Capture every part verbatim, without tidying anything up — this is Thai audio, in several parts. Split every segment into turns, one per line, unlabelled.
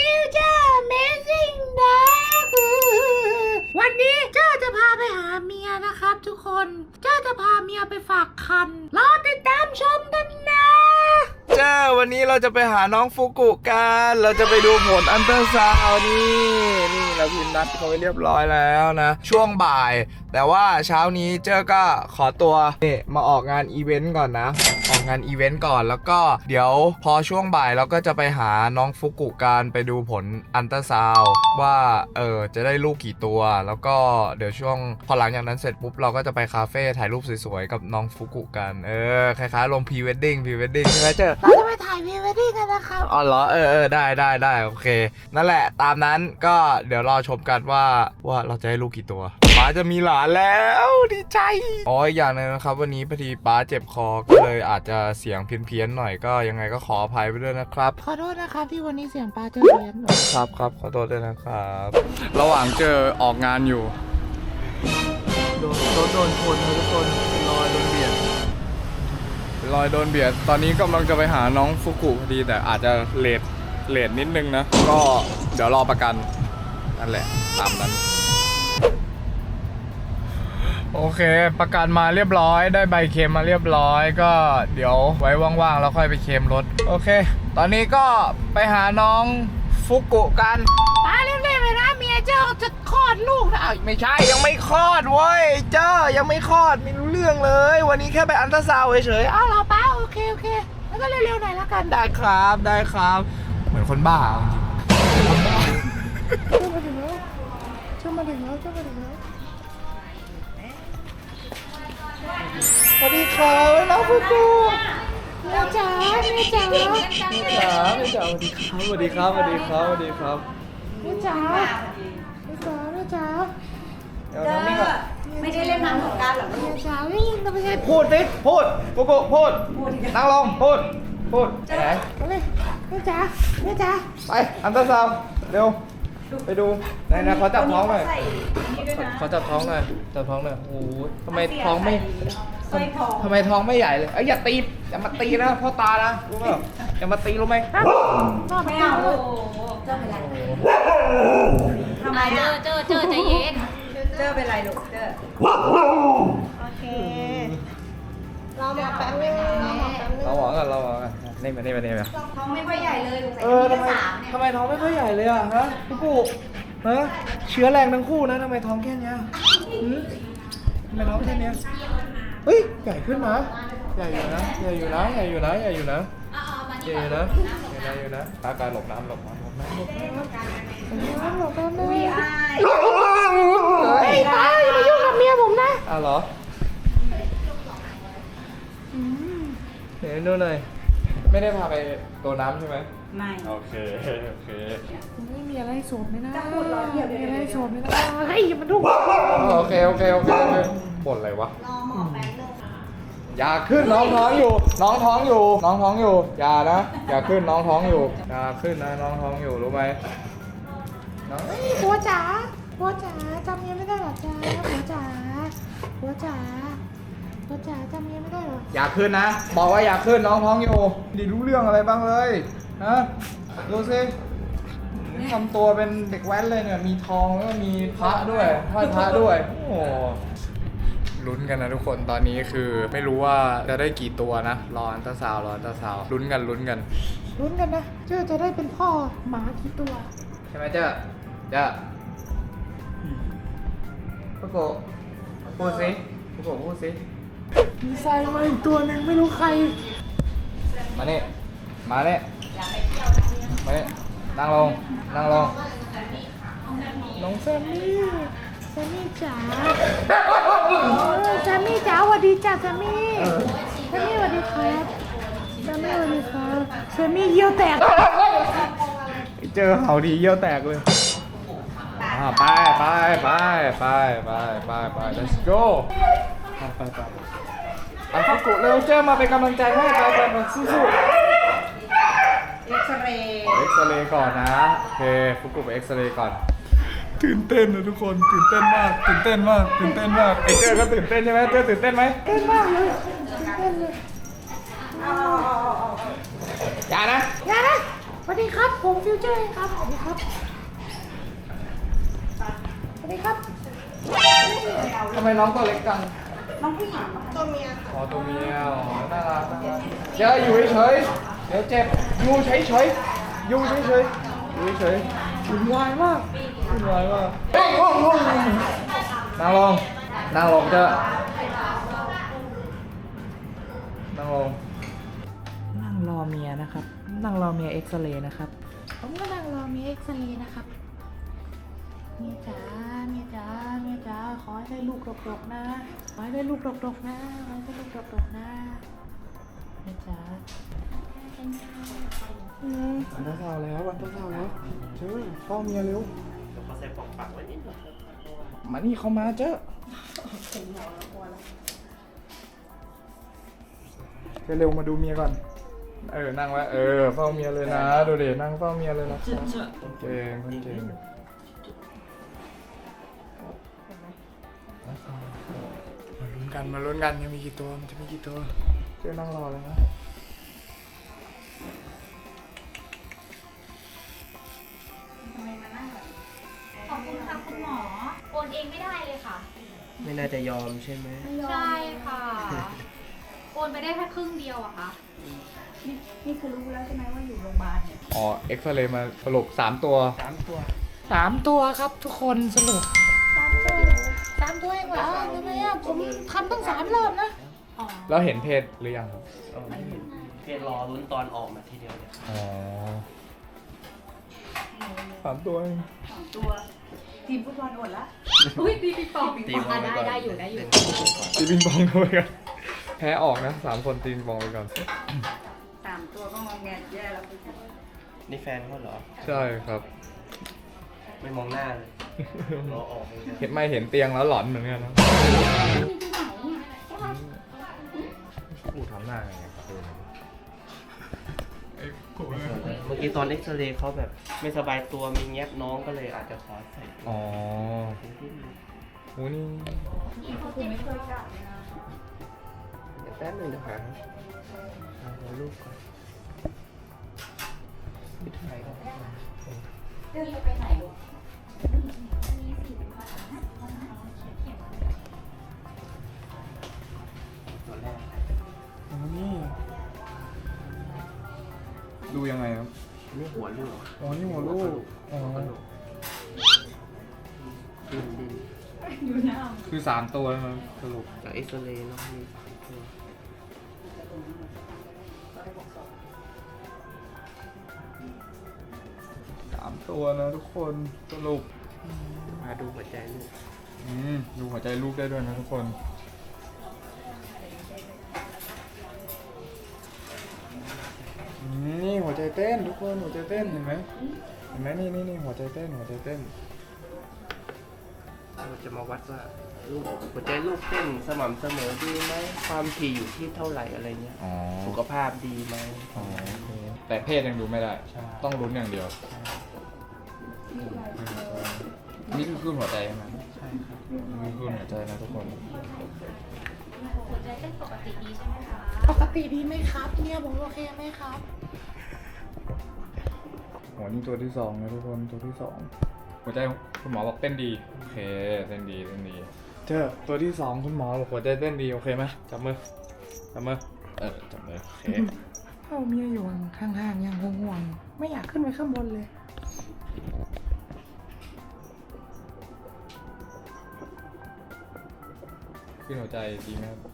ฟิวเจอร์ Amazing นะวันนี้เจ้าจะพาไปหาเมียนะครับทุกคนเจ้าจะพาเมียไปฝากคันรอติดตามชมกันนะ
เจ้าวันนี้เราจะไปหาน้องฟุกุกันเราจะไปดูผลอันเตอร์ซาวน์นี่นี่เราพิมพ์นัดเขาไปเรียบร้อยแล้วนะช่วงบ่ายแต่ว่าเช้านี้เจ้าก็ขอตัวนี่มาออกงานอีเวนต์ก่อนนะออกงานอีเวนต์ก่อนแล้วก็เดี๋ยวพอช่วงบ่ายเราก็จะไปหาน้องฟุกุกันไปดูผลอันเตอร์ซาวน์ว่าเออจะได้ลูกกี่ตัวแล้วก็เดี๋ยวช่วงพอหลังจากนั้นเสร็จปุ๊บเราก็จะไปคาเฟ่ถ่ายรูปสวยๆกับน้องฟุกุกันเออคล้ายๆลงพรีเวดดิ้งพรีเวดดิ้งใช่ไหมเจ้า
เราจะไปถ่ายพรีเวดดิ้งกันนะครับ
อ๋อเหรอเออเออได้ได้ได้โอเคนั่นแหละตามนั้นก็เดี๋ยวรอชมกันว่าว่าเราจะให้ลูกกี่ตัวป้าจะมีหลานแล้วดีใจอ๋ออีกอย่างนึงนะครับวันนี้พอดีป้าเจ็บคอก็เลยอาจจะเสียงเพี้ยนๆหน่อยก็ยังไงก็ขออภัยไปด้วยนะครับ
ขอโทษนะครับที่วันนี้เสียงป้าจะเพี้ยน
ครับครับขอโทษด้วยนะครับระหว่างเจอออกงานอยู่โดนรถโดนชนทุกคนรอยโดนเบียดรอยโดนเบียดตอนนี้กำลังจะไปหาน้องฟุกุพอดีแต่อาจจะเลทเลทนิดนึงนะก็เดี๋ยวรอประกันนั่นแหละตามนั้นโอเคประกันมาเรียบร้อยได้ใบเคลมมาเรียบร้อยก็เดี๋ยวไว้ว่างๆแล้วค่อยไปเคลมรถโอเคตอนนี้ก็ไปหาน้องฟุกุกัน
ป้าเรียบๆเลยนะเมียเจ้าจะคลอดลูกนะ
ไม่ใช่ยังไม่คลอดเว้ยเจ้ายังไม่คลอดไม่รู้เรื่องเลยวันนี้แค่ไปอัลตราซาวด์เฉยๆ
อ้าวเหรอป้าโอเคโอเคแล้วก็เร็วๆหน่อยละกัน
ได้ครับได้ครับเหมือนคนบ้าจริง
ๆมาถึงแล้วช่วมาถึงแล้วช่วมาถึงแล้ว
สวัสดีครับน้องฟุกุ
แม่จ๋าแม่จ๋าแม่
จ๋าแม่จ๋าสวัสดีครับสวัสดีครับสวัสดีครับ
แม่จ๋าแม่จ๋าแม่จ๋า
เดี๋ยวไม่ได้เล่นน้ำสงกรานต์หรอลูก
แม่จ๋าวิ่งก็ไม่ใช่
พูดสิพูดฟุกุพูดนั่งลงพูดพูดไหน
แม่จ๋าแม่จ๋า
ไปอัลตราซาวด์เร็วไปดูไหนนะเขาจับท้องหน่อยเขาจับท้องหน่อยจับท้องหน่อยโอ้โหทำไมท้องไม่ทำไมท้องไม่ใหญ่เลยเอ้ยอย่าตีอย่ามาตีนะพ่อตานะรู้ป่ะอย่ามาตีรู้ไหม
ไม่เอาเจ้าเป็นไรทำไมเจอเจอเจอใจเย็นเจอเป็นไรลูกเจอ
โอเคเราหมอแป๊บนึงเราหมอแป๊บนึง
เราหมอกันเราหมอกันนี่มานี่มานี่มา
ท้องไม่ค่อยใหญ่เลยลูก
เออทำไมทำไมท้องไม่ค่อยใหญ่เลยอ่ะฮะพี่ปู่ฮะเชื้อแรงทั้งคู่นะทำไมท้องแค่นี้ทำไมท้องแค่นี้เฮ้ยใหญ่ขึ้นนะใหญ่อยู่นะใหญ่อยู่นะใหญ่อยู่นะใหญ่อยู่นะใหญ่อยู่นะใหญ่อยู่นะตาการหลบน้ำหลบน้ำหลบน้ำหลบน้ำ
หลบน้ำเลยเฮ้ยตาอย่ามายุ่งกับเมียผมนะ
อ้าวเหรอเดี๋ยวดูหน่อยไม่ได้พาไปตัวน้ำใช่ไหม
ไม่
โอเคโอเค
ไม่มีอะไรโสดไหมนะมีอะไรโสดไหมนะเฮ้ยอย่ามาดุ
โอเคโอเคโอเคบ่นอะไรวะ
รอหมอแป๊บนึง
อย่าขึ้นน้องท้องอยู่น้องท้องอยู่น้องท้องอยู่อย่านะอย่าขึ้นน้องท้องอยู่อย่าขึ้นนะน้องท้องอยู่รู้ไหม
น้องหัวจ๋าหัวจ๋าจำเมียไม่ได้หรอจ๋าหัวจ๋าหัวจ๋าหัวจ๋าจำเมียไม่ได้หรอ
อย่าขึ้นนะบอกว่าอย่าขึ้นน้องท้องอยู่ดีรู้เรื่องอะไรบ้างเลยนะดูสิทำตัวเป็นเด็กแว้นเลยเนี่ยมีทองแล้วก็มีพระด้วยห้อยพระด้วยโอ้ลุ้นกันนะทุกคนตอนนี้คือไม่รู้ว่าจะได้กี่ตัวนะรออัลตราซาวด์รออัลตราซาวด์ลุ้นกันลุ้นกัน
ลุ้นกันนะเจ้าจะได้เป็นพ่อหมากี่ตัว
ใช่ไหมเจ้าเจ้าพ่อโกพูดสิพ่อโกพูดสิ
มีทรายมาอีกตัวหนึ่งไม่รู้ใคร
มาเนี่ยมาเนี่ยมาเนี่ยนั่งลงนั่งลง
น้องแซมมี่แซมมี่จ๋าแซมมี่จ๋าสวัสดีจ้าแซมมี่แซมมี่สวัสดีครับแซมมี่สวัสดีครับแซมมี่เยี่ยวแตก
เจอเขาดีเยี่ยวแตกเลยไปไปไปไปไปไปไป let's go ไปไปไปอ่ะฟุกุเร็วเจ้ามาเป็นกำลังใจให้ไปไปไปสู้
เอ็กซเรย์
เอ็กซเรย์ก่อนนะโอเคฟุกุไปเอ็กซเรย์ก่อนตื่นเต้นนะทุกคนตื่นเต้นมากตื่นเต้นมากตื่นเต้นมากไอเจ้าก็ตื่นเต้นใช่ไหมเจ้าตื่นเต้นไหม
ตื่นมากเลยตื่นเต้นเลย
อย่านะ
อย่านะสวัสดีครับผมฟิวเจเจ้ยครับสวัสดีครับสวัสดีครับ
ทำไมน้องตัวเล็กจัง
น้องผู้หญิง
อ๋อตัวเมียอ๋อน่ารักน่ารักเดี๋ยวอยู่เฉยๆเดี๋ยวเจ็บอยู่เฉยๆอยู่เฉยๆอยู่เฉยๆวุ่นวายมากวุ่นวายมากเฮ้ยโอ้โหนั่งลงนั่งลงเถอะนั่งลงนั่งรอเมียนะครับ นั่งรอเมียเอ็กซเรย์นะครับ
ผมก็นั่งรอมีเอ็กซเรย์นะครับเมียจ๋าเมียจ๋าเมียจ๋าขอให้ได้ลูกดกๆนะขอให้ได้ลูกดกๆนะขอให้ได้ลูกดกๆนะเมียจ๋า
อืมวันเช้าแล้ววันเช้าแล้วเจ้อเฝ้าเมียเร็ว
เขาใส่ปอกปากไว้นิดหน่อย
มานี่เขามาเจ้อเร็วมาดูเมียก่อนเออนั่งไว้เออเฝ้าเมียเลยนะดูดินั่งเฝ้าเมียเลยนะคนเก่งคนเก่งมาลุ้นกันมาลุ้นกันยังมีกี่ตัวมันจะมีกี่ตัวเจ้อนั่งรอเลยนะ
ขอบคุณค่ะคุณหมอ โอนเองไม่ได้เลยค่ะ
ไม่น่าจะยอมใช่ไหม
ใช่ค่ะ โอนไปได้แค่ครึ่งเดียวอะค่ะ
นี่นี่คือรู้แล้วใช่ไหมว่าอยู่โรงพยาบาลเนี่ย
อ๋อเอ็กซเรย์มาสรุปสามตัว
สามตัว
สามตัวครับทุกคนสรุปสามตัวสามตัวเองเหรอทำไมอ่ะผมทำตั้งสามรอบนะ
แล้วเห็นเพศหรือยังครับ
เออเพจรอลุ้นตอนออกมาทีเดียวเนี่ย
อ๋อสามตัวเอง
สองตัว ทีมฟุตบอลอดละ
อุ้ยตีปีปอง
ตีบอลไปก่อน
ได้อยู่ได้อยู่
ตีปิงปองเข้าไปกันแพ้ออกนะสามคนตีปิงปองไปก่อน
สามตัวก็มองแงแย่แล้วคุณ
นี่แฟนเขาเหรอ
ใช่ครับ
ไม่มองหน้าเลยรอออกเลย
เห็นไม่เห็นเตียงแล้วหลอนเหมือนกันนะกูทำหน้าไงครับดูไอ้กู
เมื่อกี้ตอนเอ็กซเรย์เขาแบบไม่สบายตัวมีแงบน้องก็เลยอาจจะขอใส่ตัว
อ๋อโหนี่
คุณไม่เคยจับเลยนะ
เดี๋ยวแป๊บหนึงเดี๋ยวหาหาลูกก่อนไม่ถ่ายก่อน
เดินไปไหนลูก
ตัวแรก
อ๋อนี่ดูยังไงครับ
นี่หัวลูก
อ๋อนี่หัวลูกอ๋อ
หัวลูกดิ้นดิ้น
อยู่หน้า
คือสามตัวนะครับสรุป
จากเอ็กซเรย์เนาะมีสามตัว
สามตัวนะทุกคนสรุป
มาดูหัวใจลูก
อืมดูหัวใจลูกได้ด้วยนะทุกคนอืมนี่หัวใจเต้นทุกคนหัวใจเต้นเห็นไหมเห็นไหมนี่นี่นี่หัวใจเต้นหัวใจเต้น
เราจะมาวัดว่าลูกหัวใจลูกเต้นสม่ำเสมอดีไหมความถี่อยู่ที่เท่าไหร่อะไรเงี้ย
อ๋อ
สุขภาพดีไหม
อ๋อโอเคแต่เพศยังดูไม่ได้
ใช่
ต้องลุ้นอย่างเดียวนี่คือคลื่นหัวใจใช่ไหม
ใช่ครับ
นี่คือคลื่นหัวใจนะทุกคน
หัวใจเต้นปกติดีใช่ไหมคะ
ปกติดีไหมครับเมียผมโอเคไหมครับ
หัวนี่ตัวที่สองนะทุกคนตัวที่สองหัวใจคุณหมอบอกเต้นดีโอเคเต้นดีเต้นดีเจอตัวที่สองคุณหมอบอกหัวใจเต้นดีโอเคไหมจับมือจับมือเออจับมือโอเค
เอาเมียอยู่ข้างๆอย่างห่วงๆไม่อยากขึ้นไปข้างบนเลย
ขึ้นหัวใจดีไหมครับ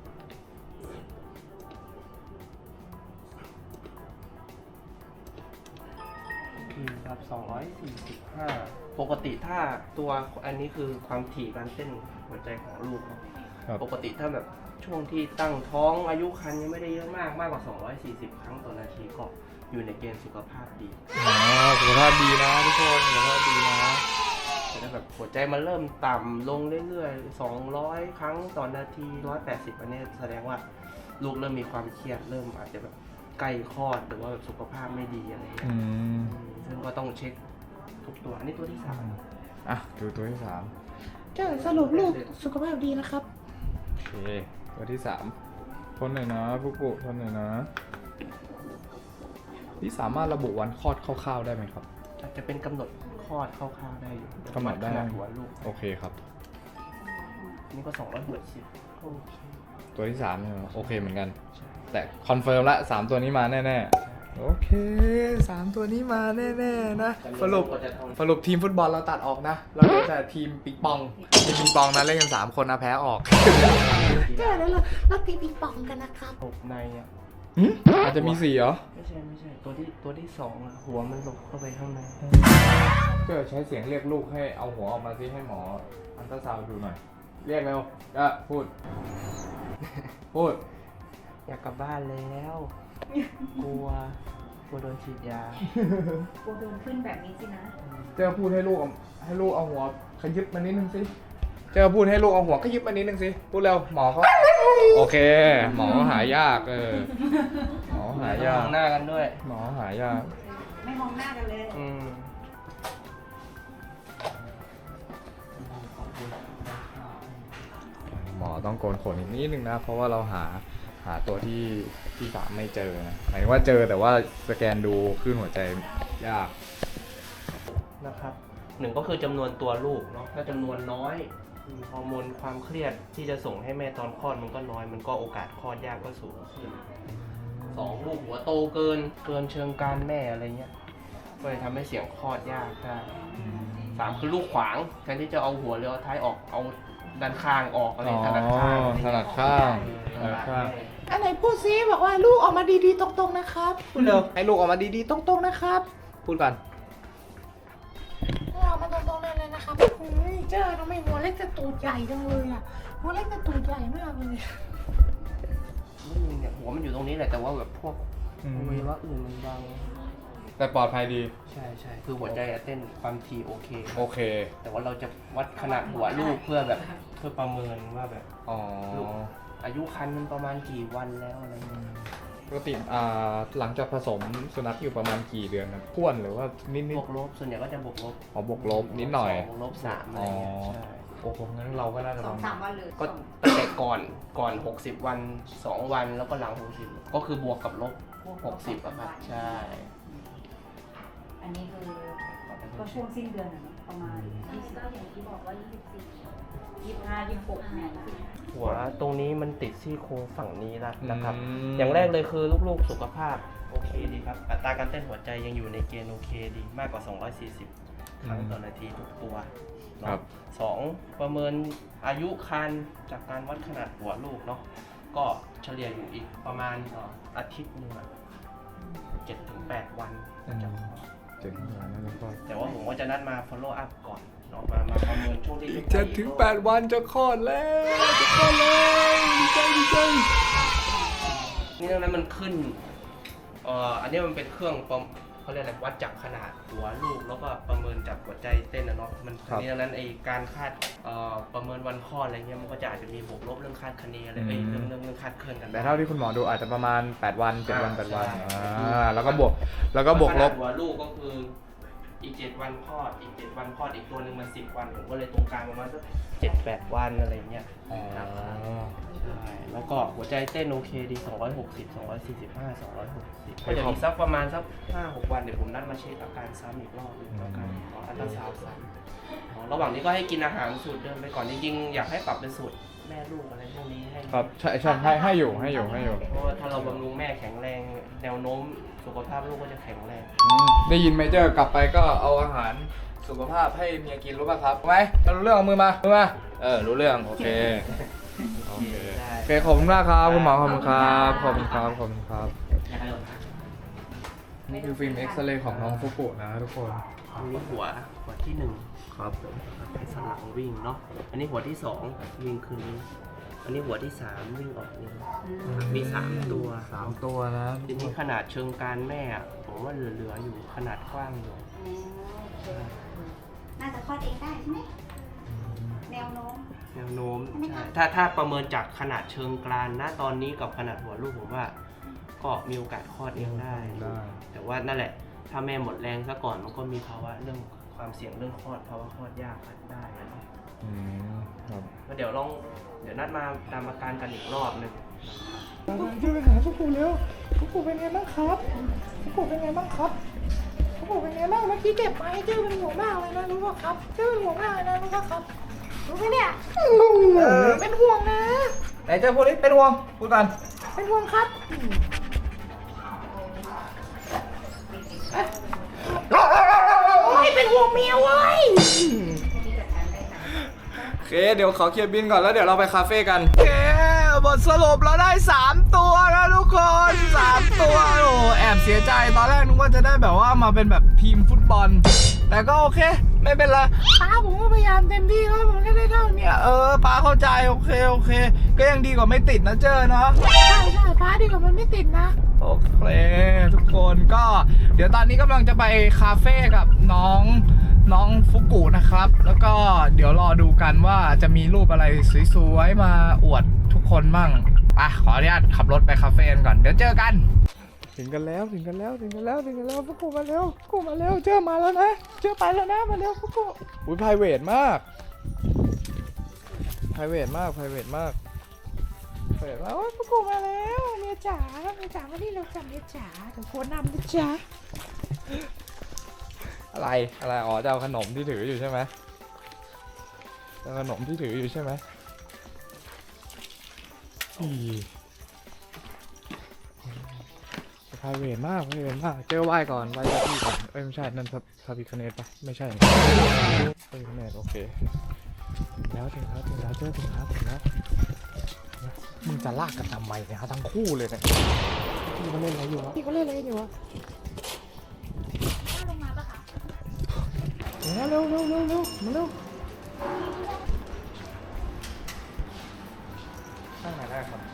อืมครับสองร้อยสี่สิบห้าปกติถ้าตัวอันนี้คือความถี่การเต้นหัวใจของลูกเนอะ
ครับ
ปกติถ้าแบบช่วงที่ตั้งท้องอายุครรภ์ยังไม่ได้เยอะมากมากกว่าสองร้อยสี่สิบครั้งต่อนาทีก็อยู่ในเกณฑ์สุขภาพดี
อ๋อสุขภาพดีนะทุกคนสุขภาพดีนะ
แต่ถ้าแบบหัวใจมันเริ่มต่ำลงเรื่อยๆสองร้อยครั้งต่อนาทีหนึ่งร้อยแปดสิบอันนี้แสดงว่าลูกเริ่มมีความเครียดเริ่มอาจจะแบบใกล้คลอดหรือว่าแบบสุขภาพไม่ดีอะไรอย่างเงี้
อื
ย
ม
ซึ่งก็ต้องเช็คทุกตัวอันนี้ตัวที่สาม
อ่ะดูตัวที่สาม
เจ้าสรุปลูกสุขภาพดีนะครับ
โอเคตัวที่สามทนหน่อยนะปุ๊กปุ๊กทนหน่อยนะนี่สามารถระบุวันคลอดคร่าวๆได้ไหมครับ
อาจจะเป็นกำหนดคลอดคร่าวๆได้อยู่
กำหนดได้
ขนาดหัวลูก
โอเคครับ
นี่ก็สองร้อยหกสิบโอเค
ตัวที่สามใช่ไหมโอเคเหมือนกัน
ใช่
แต่คอนเฟิร์มละสามตัวนี้มาแน่ๆโอเคสามตัวนี้มาแน่ๆนะสรุปสรุปทีมฟุตบอลเราตัดออกนะ เราเหลือแต่ทีมปิงปองทีมปิงปองนะเล่นกันสามคนนะแพ้ออก
เจอแล้วเราเราตีปิงปองกันนะครับ
หกในอ่ะ
หึอาจจะมีสี่เหรอ
ไม่ใช่ไม่ใช่ตัวที่ตัวที่สองอะหัวมันหลบเข้าไปข้างใน
ก็ใช้เสียงเรียกลูกให้เอาหัวออกมาซิให้หมออัลตราซาวด์ดูหน่อย เรียกเร็วก็พูด พูด
อยากกลับบ้านแล้ว กลัวกลัวโดนฉีดยา
กลัวโดนขึ้นแบบนี้สินะ
เจ้าพูดให้ลูกเอาให้ลูกเอาหัวขยิบมานิดนึงสิ เจ้าพูดให้ลูกเอาหัวขยิบมานิดนึงสิ พูดเร็วหมอเขาโอเค หมอหายากเออ หมอหายาม ก
องหน้ากันด้วย
หมอหายาก
ไม่มองหน้ากันเลย
อืม
หมอต้องโกนขนอีกนิดนึงนะ เพราะว่าเราหาหาตัวที่ที่สามไม่เจอนะหมายถึงว่าเจอแต่ว่าสแกนดูคลื่นหัวใจยาก
นะครับหนึ่งก็คือจำนวนตัวลูกเนาะถ้าจำนวนน้อยอืมฮอร์โมนความเครียดที่จะส่งให้แม่ตอนคลอดมันก็น้อย มันก็โอกาสคลอดยากก็สูงขึ้นสองลูกหัวโตเกินเกินเชิงการแม่อะไรเงี้ยก็เลยทำให้เสียงคลอดยากได้สามคือลูกขวางแทนที่จะเอาหัวหรือเอาท้ายออกเอาด้านข้างออกอะไร
อ๋อ
ถนัดข้าง
ถนัดข้างถ
เอ
นั
อ
ดข้าง
อันไหนพูดซิบอกว่าลูกออกมาดีๆตรงๆนะครับ
พูดเร็วให้ลูกออกมาดีๆตรงๆนะครับ พูดก่อน
ออกมาตรงๆเลยเลยนะครับเฮ้ยเจอทำไมหัวเล็กแต่ตูดใหญ่จังเลยอ่ะหัวเล็กแต่ตูดใหญ่มากเลย
ไม่มีเนี่ยหัวมันอยู่ตรงนี้แหละแต่ว่าแบบพวก
อืม
อวัยวะอื่นมันบัง
แต่ปลอดภัยดี
ใช่ใช่คือหัวใจอะเต้นความถี่โอเค
โอเค
แต่ว่าเราจะวัดขนาดหัวลูกเพื่อแบบเพื่อประเมินว่าแบบ
อ๋อ
ลูกอายุครรภ์มันประมาณกี่วันแล้วอะไรเงี้ย
ปกติอ่าหลังจากผสมสุนัขอยู่ประมาณกี่เดือนครับท้วนหรือว่านิด
บวกลบส่วนใหญ่ก็จะบวกลบ
ๆอ๋อบวกลบนิดหน่อย
สงลบสามอะไรเงี้ย
อ๋อ
ใช่
โอ้โหงั้นเราก็น่าจะ
ส
ป
อง
ระ
สา
มาณ
มวันเลย
ก็ตั้งแต่ก่อนก่อนหกสิบวันสองวันแล้วก็หลังหกสิบก็คือบวกกับลบหกสิบอะครับใช่
อันนี้คือก็ช่วงสิ้นเดือนอะเนาะประมาณยี่สิบ
ก็อย่างที่บอกว่ายี่สิบสี่
ยี่สิบห้ายี่สิบหกเนี่ย
หัวตรงนี้มันติดซี่โครงฝั่งนี้ละนะครับ
อืม
อย่างแรกเลยคือลูกๆสุขภาพโอเคดีครับ อัตราการเต้นหัวใจยังอยู่ในเกณฑ์โอเคดีมากกว่า สองร้อยสี่สิบ ครั้งต่อนาทีทุกตัวเนอะ
ครับ
สองประเมินอายุครรภ์จากการวัดขนาดหัวลูกเนาะก็เฉลี่ยอยู่อีกประมาณเอ่ออาทิตย์หนึงอะเจ็ดถึงแปดวันน่าจะคลอด
เจ็ดถึงแปดวันแล้วก็
แต่ว่าผมก็จะนัดมา follow up ก่อนเนาะมามาประเมินช่วงที่
เจ็ดถึงแปดวันจะคลอดแล้วจะคลอดแล้วดีใจดีใจ
นี่ดังนั้นมันขึ้นเอ่ออันนี้มันเป็นเครื่องประเขาเรียกอะไรวัดจากขนาดหัวลูกแล้วก็ประเมินจากหัวใจเต้นนะเนาะมันอันนี้ดังนั้นไอการคาดเอ่อประเมินวันคลอดอะไรเงี้ยมันก็จะอาจจะมีบวกลบเรื่องคาดคะเนอะไรเอ้ยเรื่องเรื่องเรื่องคาดเคลื่อนกัน
แต่เท่าที่คุณหมอดูอาจจะประมาณแปดวันเจ็ดวันแปดวัน
ใช่
อ่าแล้วก็บวกแล้วก็บวกลบ
ขนาดหัวลูกก็คืออีกเจ็ดวันคลอดอีกเจ็ดวันคลอดอีกตัวหนึ่งมันสิบวันผมก็เลยตรงกลางประมาณสักเจ็ดแปดวันอะไรเงี้ย
อ๋อ
ใช่แล้วก็หัวใจเต้นโอเคดีสองร้อยหกสิบ สองร้อยสี่สิบห้า สองร้อยหกสิบก็จะมีสักประมาณสักห้าหกวันเดี๋ยวผมนัดมาเช็คอาการซ้ำอีกรอบหนึงแล้วกันขออัลตราซาวด์ซ้ำอ๋อระหว่างนี้ก็ให้กินอาหารสูตรเดิมไปก่อนจริงๆอยากให้ปรับเป็นสูตรแม่ลูกอะไรพวกนี้ให้
ครับใช่ใช่ให้ให้อยู่ให้อยู่ให้อยู่
เพราะว่าถ้าเราบำรุงแม่แข็งแรง แนวโน้มสุขภาพลูกก็จะแข็งแรง
อืมได้ยินไหมเจ้ากลับไปก็เอาอาหารสุขภาพให้เมียกินรู้ป่ะครับรู้ไหมถ้ารู้เรื่องเอามือมามือมาเออรู้เรื่องโอเคโอเคโอเคขอบคุณมากครับคุณหมอขอบคุณครับขอบคุณครับขอบคุณครับนี่คือฟิล์มเอ็กซเรย์ของน้องฟุกุนะทุกคน
อันนี้หัวหัวที่หนึ่งครับให้สนหลังวิ่งเนาะอันนี้หัวที่สองวิ่งขึ้นนี้อันนี้หัวที่สามวิ่งออกนี้มีสามตัว
สามตัวนะ
ทีนี้ขนาดเชิงการแม่อะผมว่าเหลือๆอยู่ขนาดกว้างอยู่
น่าจะคลอดเองได้ใช่ไหมแนวโน้ม
แนวโน้มใช่ถ้าถ้าประเมินจากขนาดเชิงกรานณตอนนี้กับขนาดหัวลูกผมว่า ก็มีโอกาสคลอดเองได้
ได้
แต่ว่านั่นแหละ ถ้าแม่หมดแรงซะก่อนมันก็มีภาวะเรื่องความเสี่ยงเรื่องคลอดภาวะคลอดยากได้นะ
อืมครับ
ก็เดี๋ยวลองเดี๋ยวนัดมาตามอาการกันอีกรอบหนึง
ช่วยไปหาฟุกุเร็วฟุ
กุเป็นไงบ้างครับฟุกุเป็นไงบ้างครับฟุกุเป็นไงบ้างเมื่อกี้เจ็บไหมเจ้าเป็นห่วงมากเลยนะรู้ป่ะครับเจ้าเป็นห่วงมากเลยนะรู้ป่ะครับรู้ไหมเนี่ยเป็นห่วงนะ
ไหนเจ้าพูดดิเป็นห่วงพูดกัน
เป็นห่วงครับโอ้ยเป็นห่วงเมียเว้ย
โอเคเดี๋ยวขอเคลียร์บินก่อนแล้วเดี๋ยวเราไปคาเฟ่กันโอเคบทสรุปเราได้สามตัวนะทุกคนสามตัวโอ้แอบเสียใจตอนแรกนึกว่าจะได้แบบว่ามาเป็นแบบทีมฟุตบอลแต่ก็โอเคไม่เป็นไรป้าผมก็พยายามเต็มที่แล้วผมก็ได้เท่านี้เออป้าเข้าใจโอเคโอเคก็ยังดีกว่าไม่ติดนะเจอเนาะ
ใช่ใช่ป้าดีกว่ามันไม่ติดนะ
โอเคทุกคนก็เดี๋ยวตอนนี้กำลังจะไปคาเฟ่กับน้องน้องฟุกุนะครับ แล้วก็เดี๋ยวรอดูกันว่าจะมีรูปอะไรสวยๆมาอวดทุกคนมั่งอ่ะขออนุญาตขับรถไปคาเฟ่กันก่อนเดี๋ยวเจอกันถึงกันแล้วถึงกันแล้วถึงกันแล้วถึงกันแล้วฟุกุมาเร็วฟุกุมาเร็วเจอมาแล้วนะเจอไปแล้วนะมาเร็วฟุกุอุ้ยไพรเวทมากไพรเวทมากไพรเวทมากเปิดว่าโอ้ยฟุกุมาแล้วเมียจ๋าเมียจ๋ามานี่เราจับเมียจ๋าเดี๋ยวโคนนำนะจ๊ะอะไรอะไรอ๋อจะเอาขนมที่ถืออยู่ใช่ไหมเอาขนมที่ถืออยู่ใช่ไหมอีไพรเวทมากไพรเวทมากเจอไหว้ก่อนไหว้เจ้าที่ก่อนเอ้ยไม่ใช่นั่นพระพระพิฆเนศปะไม่ใช่พระพิฆเนศโอเคแล้วถึงแล้วถึงแล้วเจอถึงแล้วถึงแล้วมึงจะลากกันทำไมเนี่ยฮะทั้งคู่เลยเนี่ยพี่เขาเล่นอะไรอยู่วะพี่เขาเล่นอะไรอยู่วะลงมาปะคะเร็วเร็วเร็วเร็วมาเร็วนั่งไหนได้ครับ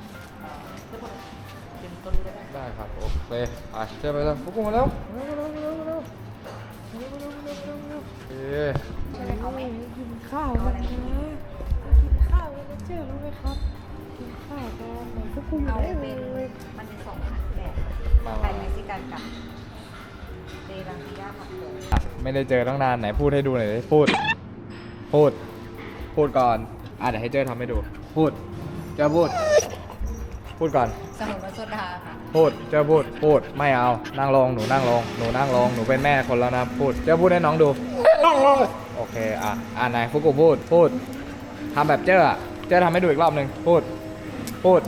ได้ครับโอเคไปเจอไปแล้วฟุกุมาเร็วเร็วเร็วเร็วเร็วเร็วเร็วเร็วเร็วเร็วเร็วเอ๊ะ
กินข้าวกันนะกินข้าวกันนะเจ้ารู้ไหมครับกินข้าวกันไหนก็คุยอยู่ได้เลย
มันเป็นสองผัดแบบไทยเม็กซิกันกับเดลังกิย่าผัดโขม
ไม่ได้เจอตั้งนานไหนพูดให้ดูหน่อยดิพูด พูด พูดก่อนอ่ะเดี๋ยวให้เจ้ทำให้ดู พูด เจ้าพูด พูดก่อน
สมุนไพรโซดาค่ะ
พูด เจ้าพูด พูด ไม่เอา นั่งลง หนูนั่งลง หนูนั่งลง หนูเป็นแม่คนแล้วนะ พูด เจ้าพูดให้น้องดู โอเค อ่ะ อ่านไหนฟุกุพูด พูด ทำแบบเจ้าอ่ะ เจ้าทำให้ดูอีกรอบหนึ่งพูด พูด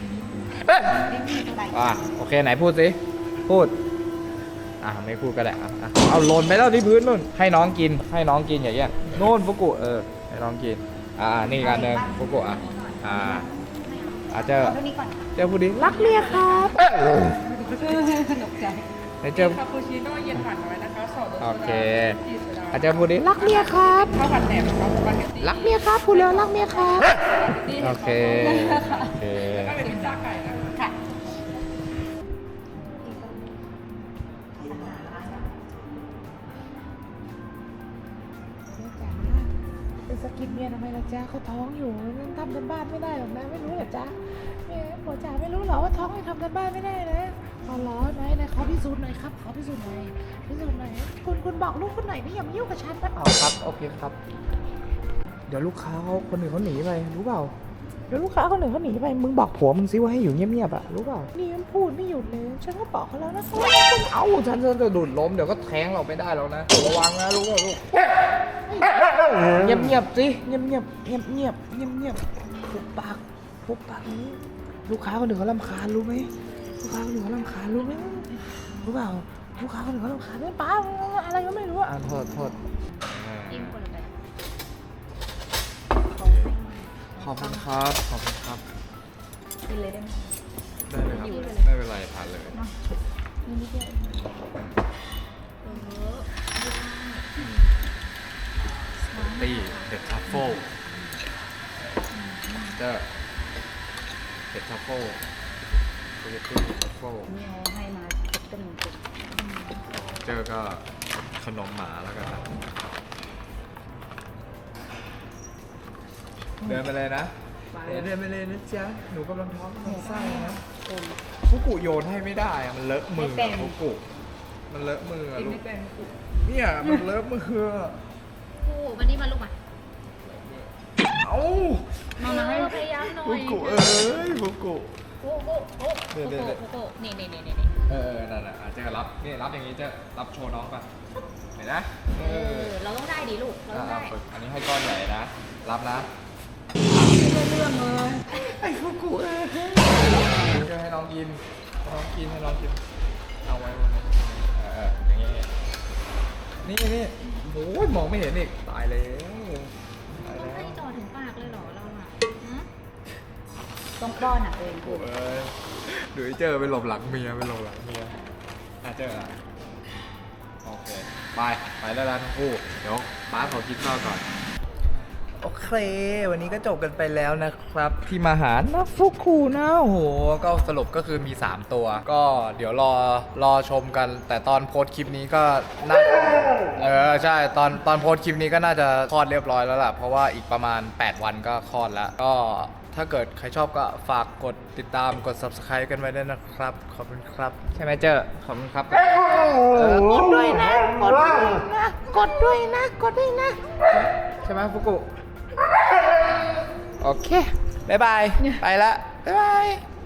อ่ะ โอเค ไหนพูดสิ พูด อ่ะ ไม่พูดก็ได้อ่ะอ่ะเอาหล่นไปแล้วที่พื้นนู่น ให้น้องกิน ให้น้องกินอย่างเงี้ยโน่นฟุกุ เออ ให้น้องกิน อ่า นี่การเดินฟุกุ อ่ะ อ่า อ่ะเจ้า
เอาเท่านี้ก่อน
เจ้าพูดดิ
รักเมียครับ
ตกใจ
ไหนเจ้า
คาปูชิโน่เย็นหวานน้อยนะคะสองรสโซดา
โอเค
ที่โซดา
อ่ะเจ้าพูดดิ
รักเมียครับ
ข้าวผัดแหนมครับสปาเกตตี้
รักเมียครับพูดแล้วรักเมียครับ
โอเค โอเค
ก็เป็นพิซซ่าไก่นะคะ
ค่ะ
เป็นสกินเมียทำไมล่ะจ๊ะเขาท้องอยู่ยังทำกันบ้านไม่ได้หรอกนะไม่รู้เหรอจ๊ะแม่หัวจ๋าไม่รู้เหรอว่าท้องให้ทำกันบ้านไม่ได้นะเอาล้อไหนไหนขอพิสูจน์หน่อยครับขอพิสูจน์หน่อยพิสูจน์หน่อยคุณคุณบอกลูกคุณหน่อยนี่อย่ามายุ่งกับฉันนะ
เอาครับ โอเคครับ เดี๋ยวลูกค้าเขาคนอื่นเขาหนีไป รู้เปล่า เดี๋ยวลูกค้าคนอื่นเขาหนีไป มึงบอกผัวมึงซิว่าให้อยู่เงียบๆอะรู้เปล่า
นี่มันพูดไม่หยุดเลยฉันก็บอกเขาแล้วนะ
เอ้าฉันจะดุดล้มเดี๋ยวก็แทงเราไม่ได้แล้วนะ ระวังนะรู้เปล่าลูก เงียบๆสิ เงียบๆเงียบๆเงียบๆเงียบๆเงียบๆปุบปากปุบปากนี้ ลูกค้าคนอื่นเขารำคาญรู้ไหมลูกค้าคนอื่นเขารำคาญรู้ไหมรู้เปล่า ลูกค้าคนอื่นเขารำคาญด้วยป้าอะไรก็ไม่รู้อ่ะโทษโทษ
อิ่มคนละแบบ
ขอบคุณครับ ขอบคุณครับ
กินเลยได้ไหม
ได้เลยครับ ไม่เป็นไรทานเลยตีเด็ดทัฟเฟิลเจอเด็ดทัฟเฟิลสปาเกตตี้เด็ดทัฟเฟิล
นี่เขาให้มาเต็มเต็ม
เจอก็ขนมหมาแล้วกันนะเดินไปเลยนะเดินไปเลยนะจ๊ะ หนูกำลังท้องกำลังไส้นะฟุกุโยนให้ไม่ได้อะมันเลอะมือฟุกุมันเลอะมืออะลูกเนี่ยมันเลอะมือ
กูวันนี้มาลูกมา
เอ้า
มามาให้พยายามหน่อ
ฟุ
ย
กุเอ้ยฟุกุ
โอ้โหโอ้โห
เดี๋ยวเดี๋ยวเดี๋ยว
โอ้โหนี่นี่นี่นี่นี่
เออนั่นน่ะเจอรับนี่รับอย่างนี้เจอรับโชว์น้องป่ะเห็นนะเอ
เอ
อ
อเราต้องได้ดิลูกเราต้องได้
ฝึกอันนี้ให้ก้อนใหญ่นะรับนะ
ไอ้ฟุกุเอ้ย
จะให้น้องกินให้น้องกินให้น้องกินเอาไว้บนนี้เออเอออย่างงี้นี่นี่โอ้ยมองไม่เห็นอีกตายแล้วตาย
ต้อง
แล้
ให้
ว
จ่อถึงปากเลยเหรอเราอ่ะหืม
ต้องป้อนอ่ะเอง
โอ้ยดูไอ้เจอไปหลบหลังเมียไปหลบหลังเมียอ่ะเจออ่ะโอเคไปไปแล้วนะทั้งคู่เดี๋ยวป้าขอกินข้าวก่อนโอเค วันนี้ก็จบกันไปแล้วนะครับ ที่มาหาน้องฟุกุนะโอ้โหก็สรุปก็คือมี สาม ตัว ก็เดี๋ยวรอรอชมกัน แต่ตอนโพสต์คลิปนี้ก็น่าเออใช่ตอนตอนโพสต์คลิปนี้ก็น่าจะคลอดเรียบร้อยแล้วล่ะเพราะว่าอีกประมาณ แปด วันก็คลอดแล้ว ก็ถ้าเกิดใครชอบก็ฝากกดติดตามกด ซับสไครบ์ กันไว้ด้วยนะครับ ขอบคุณครับ ใช่ไหมเจอขอบคุณครับเออกดด้วยนะกดด้วยนะกดด้วยนะกดด้วยนะใช่ไหมฟุกุโอเค บ๊ายบาย ไปละ บ๊ายบาย